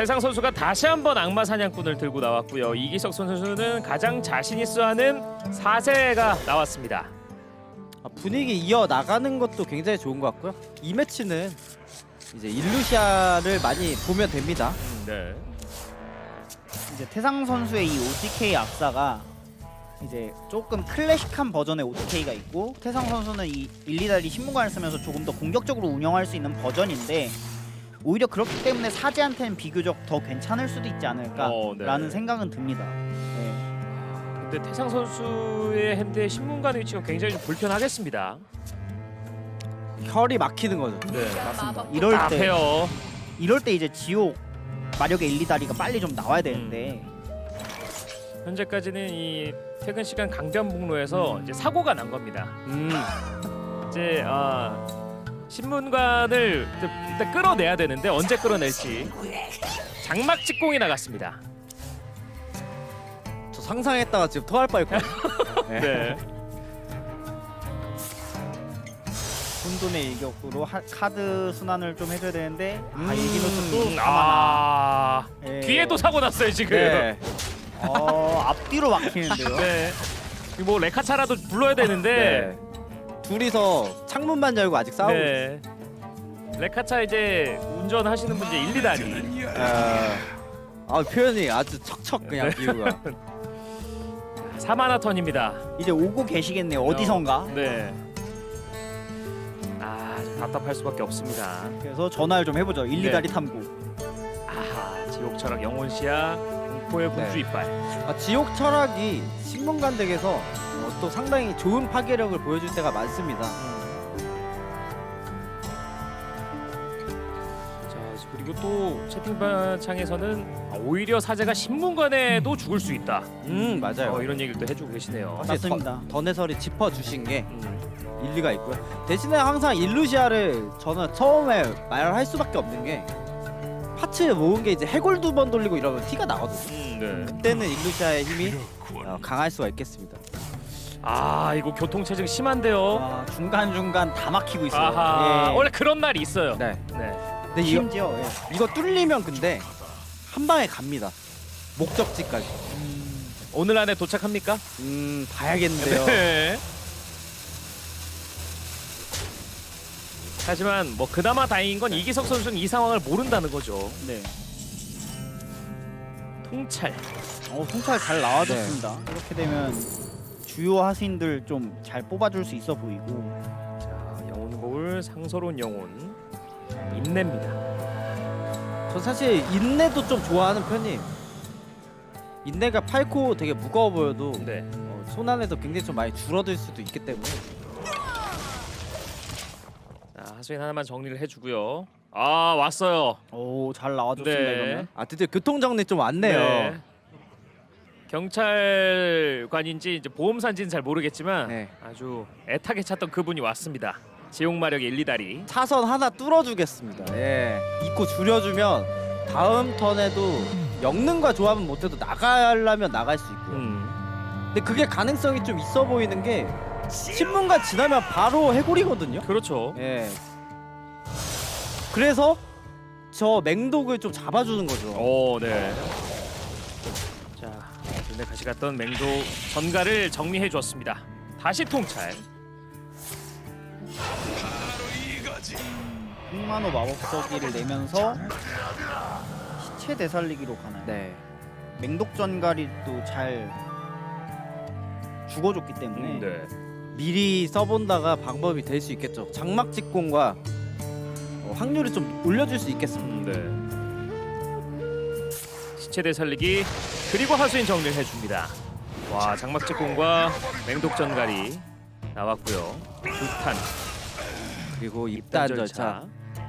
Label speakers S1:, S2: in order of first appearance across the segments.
S1: 태상 선수가 다시 한번 악마 사냥꾼을 들고 나왔고요. 이기석 선수는 가장 자신 있어 하는 사세가 나왔습니다.
S2: 분위기 이어 나가는 것도 굉장히 좋은 것 같고요. 이 매치는 이제 일루시아를 많이 보면 됩니다.
S1: 네.
S3: 이제 태상 선수의 이 OTK 악사가 이제 조금 클래식한 버전의 OTK가 있고, 태상 선수는 이 일리다리 신문관을 쓰면서 조금 더 공격적으로 운영할 수 있는 버전인데, 오히려 그렇기 때문에 사제한테는 비교적 더 괜찮을 수도 있지 않을까라는
S1: 네.
S3: 생각은 듭니다. 네.
S1: 근데 태상 선수의 핸드의 신문관 위치가 굉장히 좀 불편하겠습니다.
S2: 혈이 막히는 거죠.
S1: 네.
S3: 맞습니다. 이럴 때 이제 지옥 마력의 일리다리가 빨리 좀 나와야 되는데
S1: 현재까지는 이 퇴근 시간 강변북로에서 이제 사고가 난 겁니다. 이제 신문관을 일단 끌어내야 되는데 언제 끌어낼지 장막 직공이 나갔습니다.
S2: 저 상상했다가 지금 토할 뻔했거든요.
S1: 네.
S3: 혼돈의 일격으로 카드 순환을 좀 해줘야 되는데 일기노스 또 가만아.
S1: 뒤에도 사고 났어요 지금.
S2: 네.
S3: 앞뒤로 막히는데요.
S1: 네. 뭐 레카차라도 불러야 되는데.
S2: 네. 둘이서 창문만 열고 아직 싸우고 있어요.
S1: 네. 레카차 이제 운전하시는 분 이제 1, 2다리.
S2: 표현이 아주 척척 그냥 비유가.
S1: 4만화 턴입니다.
S3: 이제 오고 계시겠네요. 어디선가.
S1: 네. 좀 답답할 수밖에 없습니다.
S3: 그래서 전화를 좀 해보죠. 1, 2다리 탐구.
S1: 아하, 지옥 철학 영혼시야 공포의 군주
S2: 네.
S1: 이빨.
S2: 지옥 철학이 신문관 덱에서 또 상당히 좋은 파괴력을 보여줄 때가 많습니다.
S1: 자, 그리고 또 채팅방창에서는 오히려 사제가 신문관에도 죽을 수 있다.
S2: 맞아요.
S1: 이런 얘기를 또 해주고 계시네요.
S2: 확실히
S3: 맞습니다.
S2: 던해설이 짚어주신 게 일리가 있고요. 대신에 항상 일루시아를 저는 처음에 말할 수밖에 없는 게 파츠 모은 게 이제 해골 2번 돌리고 이러면 티가 나거든요.
S1: 네.
S2: 그때는 일루시아의 힘이 강할 수가 있겠습니다.
S1: 이거 교통체증 심한데요.
S3: 중간중간 다 막히고 있어요.
S1: 아하,
S3: 예.
S1: 원래 그런 날이 있어요.
S2: 네.
S1: 네.
S2: 근데
S3: 심지어
S2: 이거 뚫리면 근데 한 방에 갑니다. 목적지까지.
S1: 오늘 안에 도착합니까?
S2: 봐야겠는데요.
S1: 네. 하지만 뭐 그나마 다행인 건 이기석 선수는 이 상황을 모른다는 거죠.
S3: 네.
S1: 통찰.
S3: 통찰 잘 나와줬습니다. 이렇게 되면 주요 하수인들 좀 잘 뽑아줄 수 있어 보이고.
S1: 자, 영혼 거울 상서로운 영혼 인내입니다.
S2: 저 사실 인내도 좀 좋아하는 편이에요. 인내가 8코 되게 무거워 보여도
S1: 네.
S2: 손 안에서 굉장히 좀 많이 줄어들 수도 있기 때문에.
S1: 자, 하수인 하나만 정리를 해주고요. 왔어요.
S3: 잘 나와줬습니다.
S1: 네.
S3: 이러면.
S2: 드디어 교통 정리 좀 왔네요.
S1: 네. 경찰관인지 이제 보험사인지는 잘 모르겠지만
S2: 네.
S1: 아주 애타게 찾던 그분이 왔습니다. 지옥 마력의 1, 2다리.
S2: 차선 하나 뚫어주겠습니다. 예. 2코 줄여주면 다음 턴에도 영능과 조합은 못해도 나가려면 나갈 수 있고요. 근데 그게 가능성이 좀 있어 보이는 게 신문관 지나면 바로 해골이거든요.
S1: 그렇죠.
S2: 예. 그래서 저 맹독을 좀 잡아주는 거죠.
S1: 네. 자, 눈에 같이 갔던 맹도 전가를 정리해 주었습니다. 다시 통찰.
S3: 흑만호 마법서기를 내면서 시체 되살리기로 가나요?
S2: 네.
S3: 맹독전갈이 또 잘 죽어줬기 때문에
S1: 네.
S2: 미리 써본다가 방법이 될 수 있겠죠. 장막 직공과 확률을 좀 올려줄 수 있겠습니다.
S1: 네. 시체 되살리기 그리고 하수인 정리를 해줍니다. 와, 장막직공과 맹독전갈이 나왔고요. 불탄
S2: 그리고 입단 절차.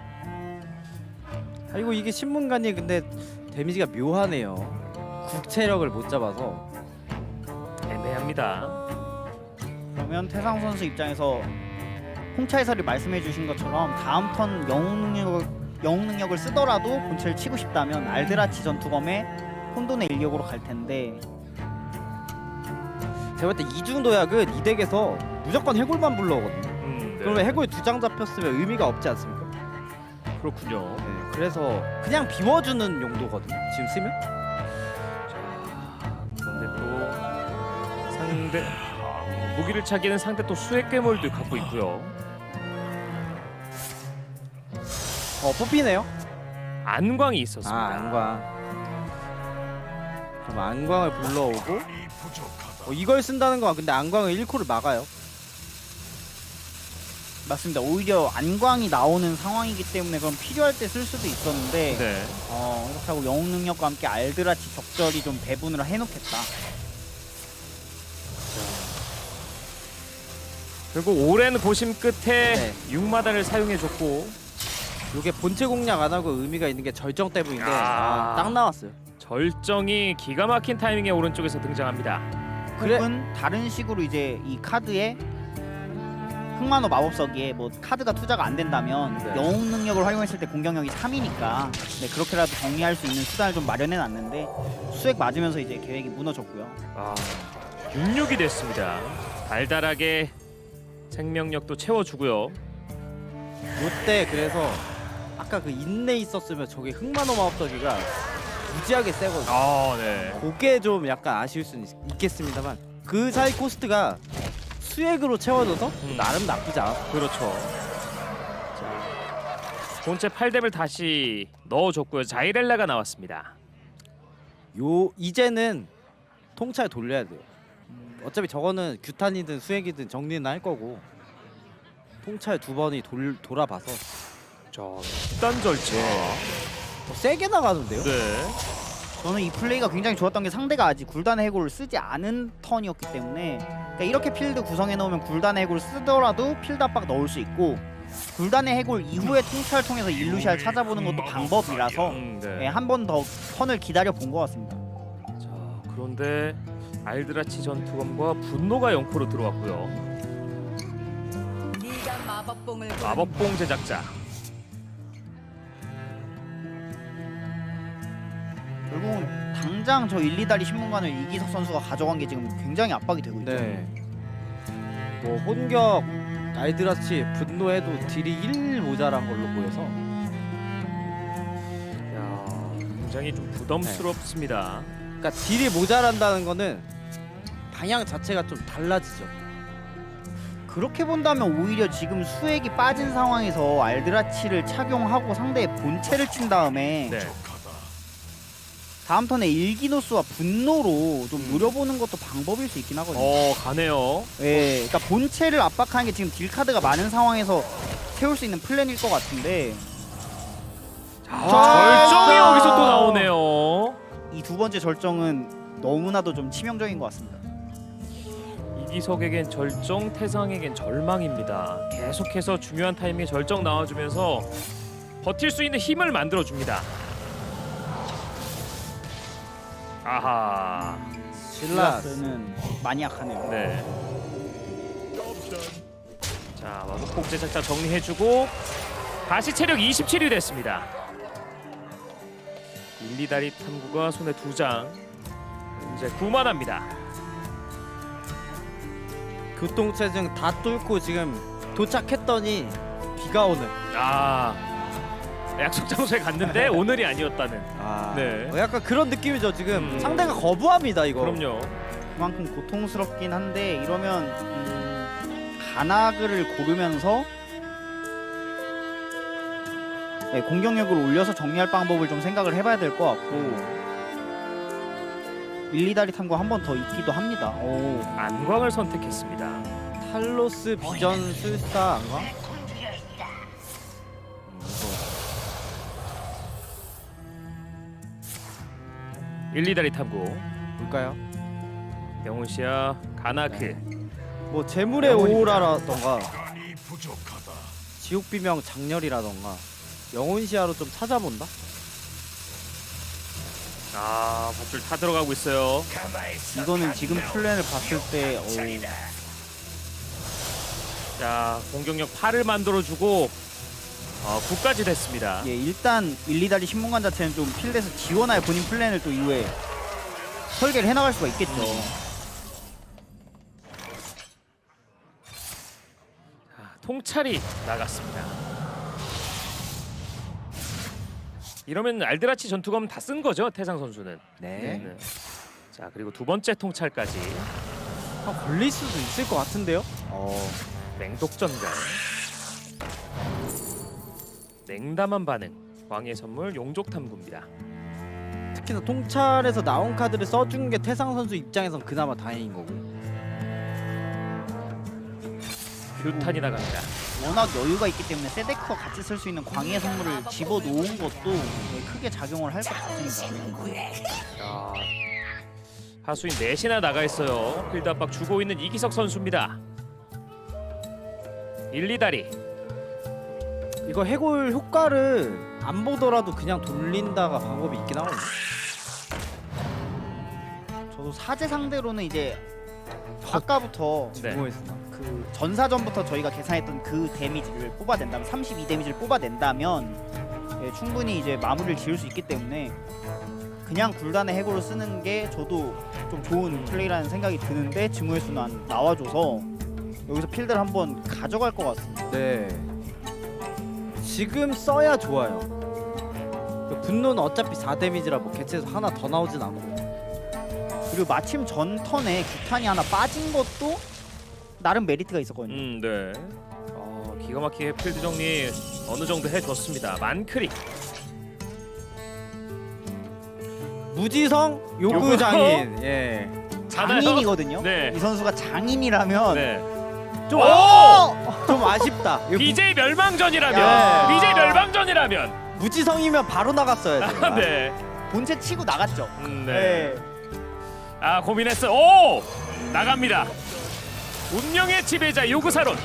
S2: 이거 이게 신문관이 근데 데미지가 묘하네요. 국체력을 못 잡아서.
S1: 애매합니다.
S3: 그러면 태상 선수 입장에서 홍차 해설이 말씀해주신 것처럼 다음 턴 영웅 능력을 쓰더라도 본체를 치고 싶다면 알드라치 전투검에 혼돈의 일격으로 갈 텐데
S2: 제가 볼 때 이중도약은 이 덱에서 무조건 해골만 불러오거든요.
S1: 네.
S2: 그러면 해골 2장 잡혔으면 의미가 없지 않습니까?
S1: 그렇군요.
S2: 네, 그래서 그냥 비워주는 용도거든요. 지금 쓰면.
S1: 근데 또 상대 무기를 차기에는 상대 또 수액 괴물도 갖고 있고요.
S2: 뽑히네요.
S1: 안광이 있었습니다.
S2: 안광. 그럼 안광을 불러오고 이걸 쓴다는 건 근데 안광은 1코를 막아요.
S3: 맞습니다. 오히려 안광이 나오는 상황이기 때문에 그럼 필요할 때 쓸 수도 있었는데
S1: 네.
S3: 이렇게 하고 영웅 능력과 함께 알드라치 적절히 좀 배분을 해놓겠다.
S1: 결국 오랜 고심 끝에
S2: 네.
S1: 6마다를 사용해줬고
S2: 이게 본체 공략 안 하고 의미가 있는 게 절정 때문인데
S1: 아.
S2: 딱 나왔어요.
S1: 절정이 기가 막힌 타이밍에 오른쪽에서 등장합니다.
S2: 그래.
S3: 혹은 다른 식으로 이제 이 카드에 흑마노 마법석이에 뭐 카드가 투자가 안 된다면
S2: 네.
S3: 영웅 능력을 활용했을 때 공격력이 3이니까 네, 그렇게라도 정리할 수 있는 수단을 좀 마련해 놨는데 수액 맞으면서 이제 계획이 무너졌고요.
S1: 6-6이 됐습니다. 달달하게 생명력도 채워주고요.
S2: 이때 그래서 아까 그 인내 있었으면 저게 흑마노 마법석이가 무지하게 세거든요.
S1: 네.
S2: 그게 좀 약간 아쉬울 수는 있겠습니다만 그 사이 코스트가 수액으로 채워져서 나름 나쁘지 않았어.
S1: 그렇죠. 자, 본체 8뎀을 다시 넣어줬고요. 자이렐라가 나왔습니다.
S2: 이제는 통찰 돌려야 돼요. 어차피 저거는 규탄이든 수액이든 정리는 할 거고 통찰 2번이 돌아봐서
S1: 자, 일단 절제.
S2: 더 세게 나가는데요.
S1: 네.
S3: 저는 이 플레이가 굉장히 좋았던 게 상대가 아직 굴단의 해골을 쓰지 않은 턴이었기 때문에 그러니까 이렇게 필드 구성해 놓으면 굴단의 해골을 쓰더라도 필드 압박 넣을 수 있고 굴단의 해골 이후에 통찰을 통해서 일루시아를 찾아보는 것도 방법이라서
S1: 네.
S3: 한 번 더 턴을 기다려 본 것 같습니다.
S1: 자, 그런데 알드라치 전투검과 분노가 0코로 들어왔고요.
S4: 네가 마법봉을
S1: 마법봉 제작자.
S3: 결국은 당장 저 1, 2다리 신문관을 이기석 선수가 가져간 게 지금 굉장히 압박이 되고 있죠.
S2: 네. 뭐 혼격 알드라치 분노해도 딜이 1 모자란 걸로 보여서
S1: 야, 굉장히 좀 부담스럽습니다.
S2: 그러니까 딜이 모자란다는 거는 방향 자체가 좀 달라지죠.
S3: 그렇게 본다면 오히려 지금 수액이 빠진 상황에서 알드라치를 착용하고 상대의 본체를 친 다음에
S1: 네.
S3: 다음 턴에 일기노스와 분노로 좀 노려보는 것도 방법일 수 있긴 하거든요.
S1: 가네요.
S3: 예, 그러니까 본체를 압박하는 게 지금 딜 카드가 많은 상황에서 세울 수 있는 플랜일 것 같은데
S1: 절정이 여기서 또 나오네요.
S3: 이 두 번째 절정은 너무나도 좀 치명적인 것 같습니다.
S1: 이기석에겐 절정, 태상에겐 절망입니다. 계속해서 중요한 타이밍에 절정 나와주면서 버틸 수 있는 힘을 만들어줍니다. 아하.
S3: 실라스는 많이 약하네요.
S1: 네. 자, 마법봉 제작자 정리해주고 다시 체력 27이 됐습니다. 1, 2다리 탐구가 손에 2장. 이제 9만합니다.
S2: 교통체증 다 뚫고 지금 도착했더니 비가 오는.
S1: 약속 장소에 갔는데 오늘이 아니었다는. 네.
S2: 약간 그런 느낌이죠. 지금
S1: 음.
S2: 상대가 거부합니다 이거.
S1: 그럼요.
S3: 그만큼 고통스럽긴 한데 이러면 가나그를 고르면서 네, 공격력을 올려서 정리할 방법을 좀 생각을 해봐야 될 것 같고 1, 2다리 탐구 한 번 더 있기도 합니다. 오.
S1: 안광을 선택했습니다.
S2: 탈로스 비전 술사 안가?
S1: 1, 2다리 탐구.
S2: 뭘까요?
S1: 영훈씨야 가나크.
S2: 뭐 재물의
S1: 영혼입니다.
S2: 오라라던가 지옥비명 장렬이라던가 영혼시야로 좀 찾아본다?
S1: 밧줄 타 들어가고 있어요.
S3: 이거는 지금 플랜을 봤을 때
S1: 자, 공격력 8을 만들어주고 9까지 됐습니다.
S3: 예, 일단 1, 2다리 신문관 자체는 좀 필드에서 지원할 본인 플랜을 또 이후에 설계를 해나갈 수가 있겠죠.
S1: 통찰이 나갔습니다. 이러면 알드라치 전투검 다 쓴 거죠 태상 선수는.
S2: 네.
S1: 네. 자 그리고 두 번째 통찰까지
S2: 걸릴 수도 있을 것 같은데요.
S1: 맹독전갈. 냉담한 반응. 왕의 선물 용족 탐구입니다.
S2: 특히나 통찰에서 나온 카드를 써준 게 태상 선수 입장에선 그나마 다행인 거고.
S1: 규탄이 나갑니다.
S3: 워낙 여유가 있기 때문에 세데크와 같이 쓸 수 있는 광희의 선물을 집어놓은 것도 크게 작용을 할 것 같습니다.
S1: 야, 하수인 넷이나 나가 있어요. 필드 압박 주고 있는 이기석 선수입니다. 1, 2다리.
S2: 이거 해골 효과를 안 보더라도 그냥 돌린다가 방법이 있긴 하거든요.
S3: 저도 사제 상대로는 이제 아까부터
S1: 네.
S2: 궁금했으나.
S3: 그 전사전부터 저희가 계산했던 그 데미지를 뽑아낸다면 32 데미지를 뽑아낸다면 충분히 이제 마무리를 지을 수 있기 때문에 그냥 굴단의 해골을 쓰는 게 저도 좀 좋은 플레이라는 생각이 드는데 증오의 순환 나와줘서 여기서 필드를 한번 가져갈 것 같습니다.
S2: 네. 지금 써야 좋아요. 분노는 어차피 4 데미지라 뭐 개체에서 하나 더 나오진 않고.
S3: 그리고 마침 전 턴에 규탄이 하나 빠진 것도 나름 메리트가 있었거든요.
S1: 네. 기가 막히게 필드 정리 어느 정도 해줬습니다. 만크릭.
S2: 무지성 요구 장인. 예.
S3: 장인이거든요.
S1: 네.
S3: 이 선수가 장인이라면
S1: 네.
S2: 좀,
S1: 오!
S2: 좀 아쉽다. 이거
S1: BJ 멸망전이라면.
S3: 야.
S1: BJ 멸망전이라면.
S2: 무지성이면 바로 나갔어야지.
S1: 네.
S3: 본체 치고 나갔죠.
S1: 네. 아 고민했어. 오! 나갑니다. 운명의 지배자 요구사론.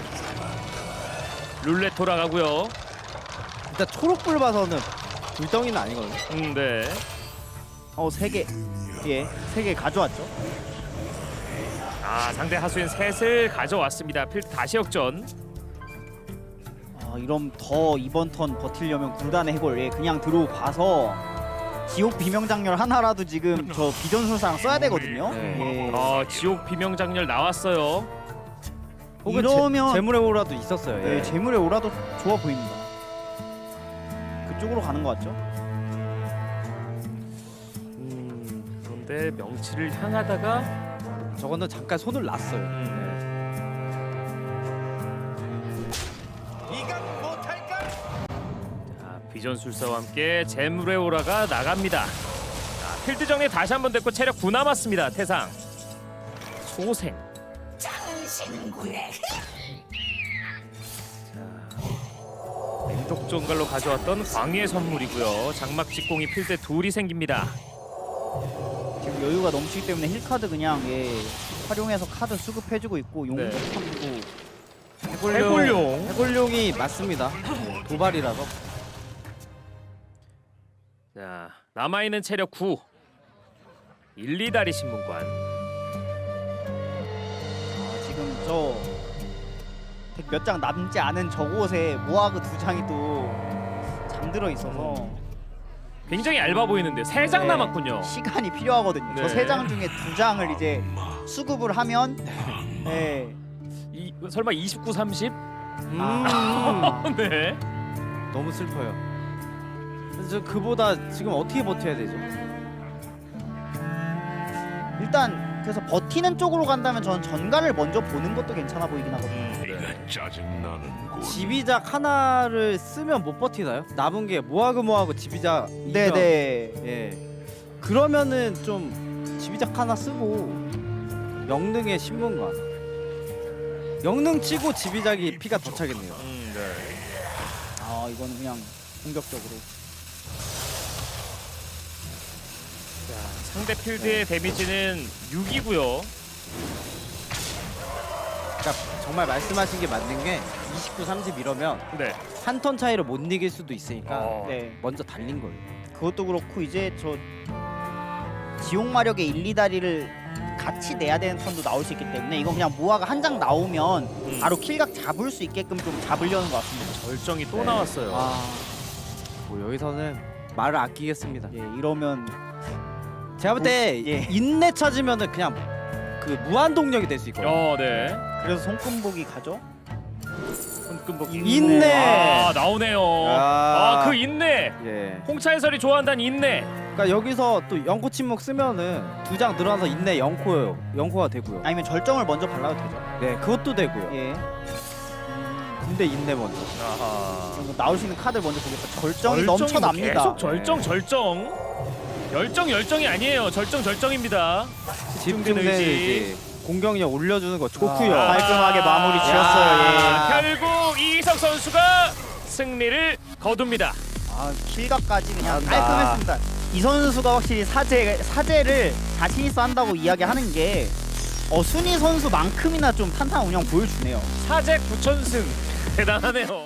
S1: 룰렛 돌아가고요.
S2: 일단 초록불 봐서는 불덩이는 아니거든요.
S1: 네.
S3: 3개. 예, 3개 가져왔죠.
S1: 아 상대 하수인 셋을 가져왔습니다. 필드 다시 역전.
S3: 이럼 더 이번 턴 버틸려면 굴단의 해골 그냥 들어봐서 지옥 비명장렬 하나라도 지금 저 비전술사랑 써야 되거든요.
S2: 네.
S3: 예.
S1: 지옥 비명장렬 나왔어요.
S2: 혹은
S3: 이러면
S2: 재물의 오라도 있었어요.
S3: 네,
S2: 예.
S3: 재물의 오라도 좋아 보입니다. 그쪽으로 가는 것 같죠?
S1: 그런데 명치를 향하다가
S2: 저거는 잠깐 손을 놨어요.
S1: 자, 비전술사와 함께 재물의 오라가 나갑니다. 자, 필드 정리 다시 한번 됐고 체력 9 남았습니다. 태상 소생. 맹독종갈로 가져왔던 광희의 선물이고요. 장막 직공이 필드에 둘이 생깁니다.
S3: 지금 여유가 넘치기 때문에 힐카드 그냥 활용해서 카드 수급해주고 있고 용접
S1: 네.
S3: 탐구
S1: 해골용.
S2: 해골용이 맞습니다. 도발이라서.
S1: 자 남아있는 체력 9. 1, 2다리 신문관.
S3: 지금 저 몇 장 남지 않은 저곳에 모아그 2장이 또 잠들어 있어서
S1: 굉장히 얇아 보이는데 3장
S3: 네,
S1: 남았군요.
S3: 시간이 필요하거든요.
S1: 네.
S3: 저 3장 중에 2장을 이제 수급을 하면
S1: 설마 29, 30? 네.
S2: 너무 슬퍼요. 그래서 저 그보다 지금 어떻게 버텨야 되죠?
S3: 일단 그래서 버티는 쪽으로 간다면 저는 전가를 먼저 보는 것도 괜찮아 보이긴 하거든요.
S4: 짜증나는군.
S2: 지비작 하나를 쓰면 못 버티나요? 남은 게 모아그 지비작.
S3: 네네.
S2: 예. 그러면은 좀 지비작 하나 쓰고 영능의 신문관. 영능 치고 지비작이 피가 더 차겠네요.
S1: 네.
S3: 이거는 그냥 공격적으로.
S1: 자, 상대 필드의 데미지는 6이고요.
S2: 그러니까 정말 말씀하신 게 맞는 게 29, 30 이러면
S1: 네.
S2: 한 턴 차이로 못 이길 수도 있으니까
S3: 네.
S2: 먼저 달린 거예요.
S3: 그것도 그렇고 이제 저 지옥 마력의 1, 2다리를 같이 내야 되는 턴도 나올 수 있기 때문에 이건 그냥 모아가 한 장 나오면 바로 킬각 잡을 수 있게끔 좀 잡으려는 것 같습니다.
S1: 절정이 또
S2: 네.
S1: 나왔어요.
S2: 뭐 여기서는 말을 아끼겠습니다.
S3: 이러면
S2: 제가 볼 때 인내 찾으면은 그냥 그 무한 동력이 될 수 있거든요.
S1: 네.
S3: 그래서 손금복이 가죠.
S1: 끈복기.
S2: 인내.
S1: 아 나오네요.
S2: 아.
S1: 그 인내.
S2: 예.
S1: 홍차 해설이 좋아한다는 인내.
S2: 그러니까 여기서 또 영코 침묵 쓰면은 2장 늘어나서 인내 영코예요. 영코가 되고요.
S3: 아니면 절정을 먼저 발라도 되죠.
S2: 네, 그것도 되고요.
S3: 예.
S2: 근데 인내 먼저.
S1: 아하.
S3: 그럼 나올 수 있는 카드 먼저 보겠다. 절정이 넘쳐납니다.
S1: 계속 열정이 아니에요. 절정입니다.
S2: 집중된 의지. 공격력 올려주는 거 좋고요.
S3: 아, 깔끔하게 마무리 지었어요.
S2: 야.
S1: 결국 이희석 선수가 승리를 거둡니다.
S3: 아, 킬각까지 그냥
S2: 잘한다.
S3: 깔끔했습니다. 이 선수가 확실히 사제를 자신 있어 한다고 이야기하는 게 순위 선수만큼이나 좀 탄탄한 운영 보여주네요.
S1: 사제 9천승 대단하네요.